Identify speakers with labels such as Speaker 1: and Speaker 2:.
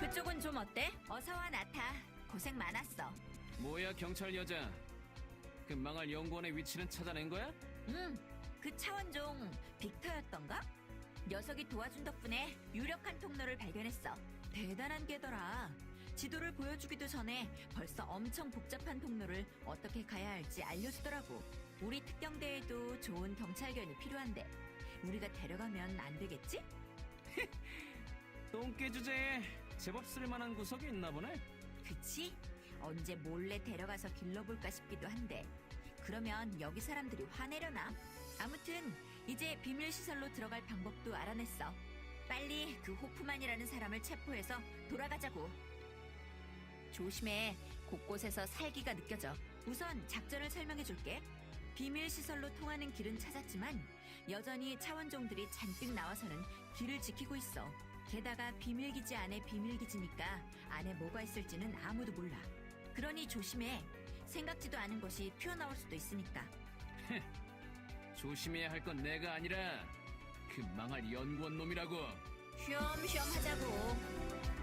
Speaker 1: 그쪽은 좀 어때? 어서와 나타. 고생 많았어.
Speaker 2: 뭐야 경찰 여자. 그 망할 연구원의 위치는 찾아낸 거야?
Speaker 1: 그 차원종 빅터였던가? 녀석이 도와준 덕분에 유력한 통로를 발견했어. 대단한 게더라. 지도를 보여주기도 전에 벌써 엄청 복잡한 통로를 어떻게 가야 할지 알려주더라고. 우리 특경대에도 좋은 경찰견이 필요한데 우리가 데려가면 안 되겠지?
Speaker 2: 똥개 주제에 제법 쓸만한 구석이 있나 보네.
Speaker 1: 그치? 언제 몰래 데려가서 길러볼까 싶기도 한데 그러면 여기 사람들이 화내려나? 아무튼 이제 비밀시설로 들어갈 방법도 알아냈어. 빨리 그 호프만이라는 사람을 체포해서 돌아가자고. 조심해. 곳곳에서 살기가 느껴져. 우선 작전을 설명해줄게. 비밀시설로 통하는 길은 찾았지만 여전히 차원종들이 잔뜩 나와서는 길을 지키고 있어. 게다가 비밀기지 안에 비밀기지니까 안에 뭐가 있을지는 아무도 몰라. 그러니 조심해. 생각지도 않은 것이 튀어나올 수도 있으니까.
Speaker 2: 조심해야 할 건 내가 아니라 그 망할 연구원 놈이라고.
Speaker 1: 쉬엄쉬엄 하자고.